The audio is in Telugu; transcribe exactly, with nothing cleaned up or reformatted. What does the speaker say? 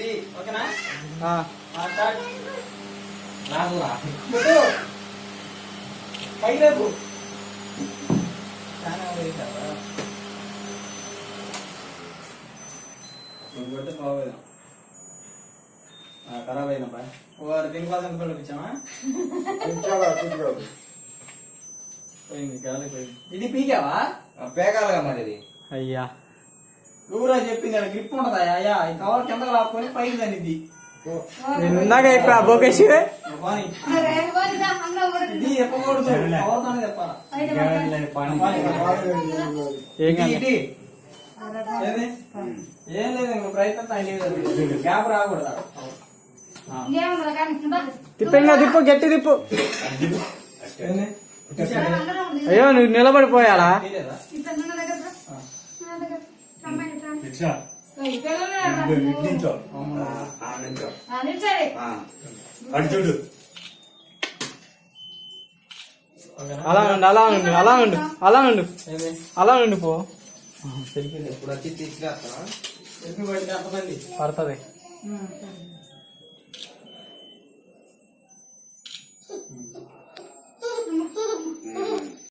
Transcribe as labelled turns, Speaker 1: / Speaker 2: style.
Speaker 1: ఇది ఓకేనా? పైకి రేపు కొడితే బాగోదు. ఖరాబ్ అయినప్పా వారు దీని క్లాస్ ఎంత పిలిపించామా? పోయింది గాలి పోయింది. ఇది పీకావా?
Speaker 2: పేకాలుగా మరి ఇది.
Speaker 3: అయ్యా
Speaker 1: ఊరా చెప్పింది గ్రిప్ ఉంటదా? అయ్యా ఈ కవర్ కిందకు లాక్కొని పైకి దాన్ని
Speaker 3: నేను ఇందాక ఇక్కడ బోకేసి
Speaker 1: ఇది చెప్పకూడదు. కవర్తోనే చెప్పాలా? ఏం లేదు ఇంకో ప్రయత్నం గ్యాప్ రాకూడదా?
Speaker 3: తిప్పు ఇంకా తిప్పు గట్టి తిప్పు. అయ్యో నువ్వు నిలబడిపోయాలా?
Speaker 2: అర్జుడు
Speaker 3: అలా ఉండు అలా ఉండు అలా ఉండు అలా ఉండు అలా ఉండు పో.
Speaker 2: ఇప్పుడు వచ్చి తీసుకురా
Speaker 3: పడుతుంది.